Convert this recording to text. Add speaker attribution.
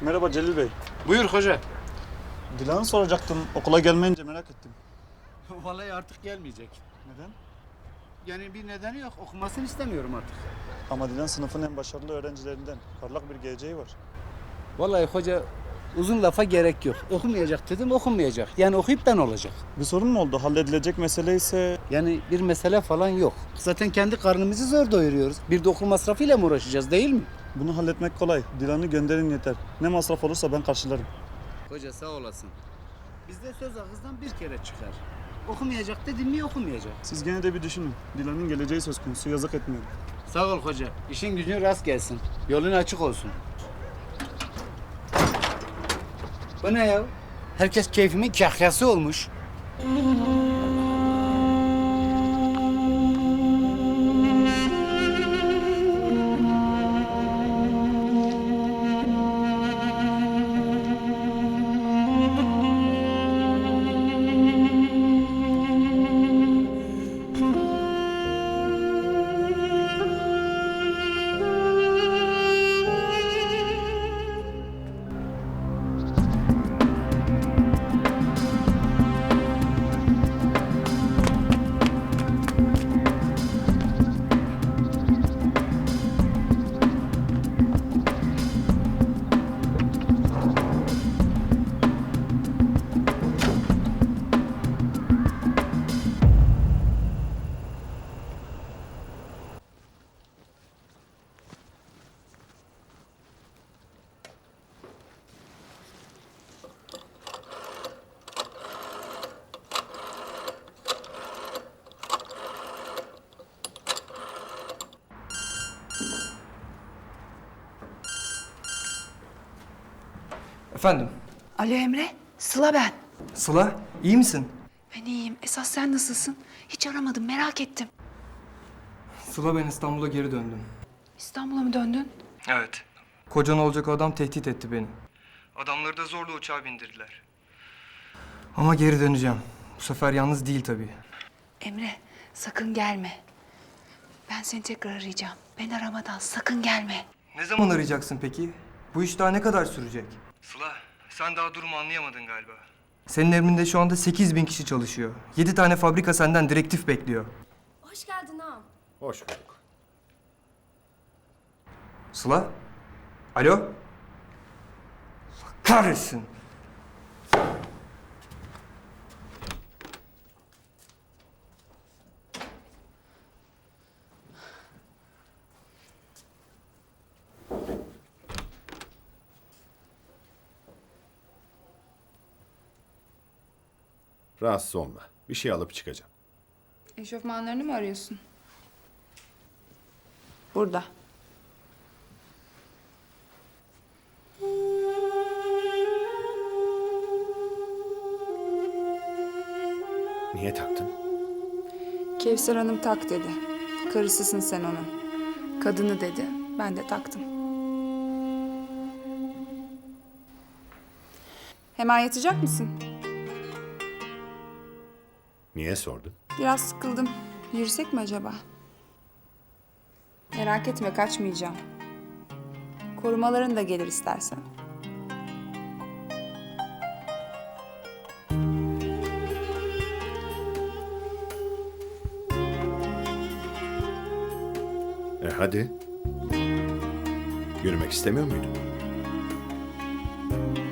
Speaker 1: Merhaba Celil Bey.
Speaker 2: Buyur hoca.
Speaker 1: Dilan'ı soracaktım. Okula gelmeyince merak ettim.
Speaker 2: Vallahi artık gelmeyecek.
Speaker 1: Neden?
Speaker 2: Yani bir nedeni yok. Okumasını istemiyorum artık.
Speaker 1: Ama Dilan sınıfın en başarılı öğrencilerinden. Parlak bir geleceği var.
Speaker 2: Vallahi hoca uzun lafa gerek yok. Okumayacak dedim, okunmayacak. Yani okuyup ben olacak.
Speaker 1: Bir sorun mu oldu? Halledilecek mesele ise...
Speaker 2: Yani bir mesele falan yok. Zaten kendi karnımızı zor doyuruyoruz. Bir de okul masrafıyla mı uğraşacağız değil mi?
Speaker 1: Bunu halletmek kolay. Dilan'ı gönderin yeter. Ne masraf olursa ben karşılarım.
Speaker 2: Hoca sağ olasın. Bizde söz ağızdan bir kere çıkar. Okumayacak dedim mi okumayacak.
Speaker 1: Siz gene de bir düşünün. Dilan'ın geleceği söz konusu. Yazık etmeyin.
Speaker 2: Sağ ol hoca. İşin gücün rast gelsin. Yolun açık olsun. Bu ne ya? Herkes keyfimin kahyası olmuş.
Speaker 3: Efendim?
Speaker 4: Alo Emre, Sıla ben.
Speaker 3: Sıla, iyi misin?
Speaker 4: Ben iyiyim. Esas sen nasılsın? Hiç aramadım, merak ettim.
Speaker 3: Sıla, ben İstanbul'a geri döndüm.
Speaker 4: İstanbul'a mı döndün?
Speaker 3: Evet. Kocan olacak adam tehdit etti beni. Adamları da zorla uçağa bindirdiler. Ama geri döneceğim. Bu sefer yalnız değil tabii.
Speaker 4: Emre, sakın gelme. Ben seni tekrar arayacağım. Ben aramadan sakın gelme.
Speaker 3: Ne zaman arayacaksın peki? Bu iş daha ne kadar sürecek? Sıla, sen daha durumu anlayamadın galiba. Senin emrinde şu anda 8.000 kişi çalışıyor. 7 tane fabrika senden direktif bekliyor.
Speaker 5: Hoş geldin ağam.
Speaker 6: Hoş bulduk.
Speaker 3: Sıla? Alo? Allah kahretsin.
Speaker 6: Rahatsız olma. Bir şey alıp çıkacağım.
Speaker 7: Eşofmanlarını mı arıyorsun? Burada.
Speaker 6: Niye taktın?
Speaker 7: Kevser Hanım tak dedi. Karısısın sen onun. Kadını dedi. Ben de taktım. Hemen yatacak mısın?
Speaker 6: Niye sordun?
Speaker 7: Biraz sıkıldım. Yürüsek mi acaba? Merak etme, kaçmayacağım. Korumaların da gelir istersen.
Speaker 6: Hadi. Yürümek istemiyor muydun?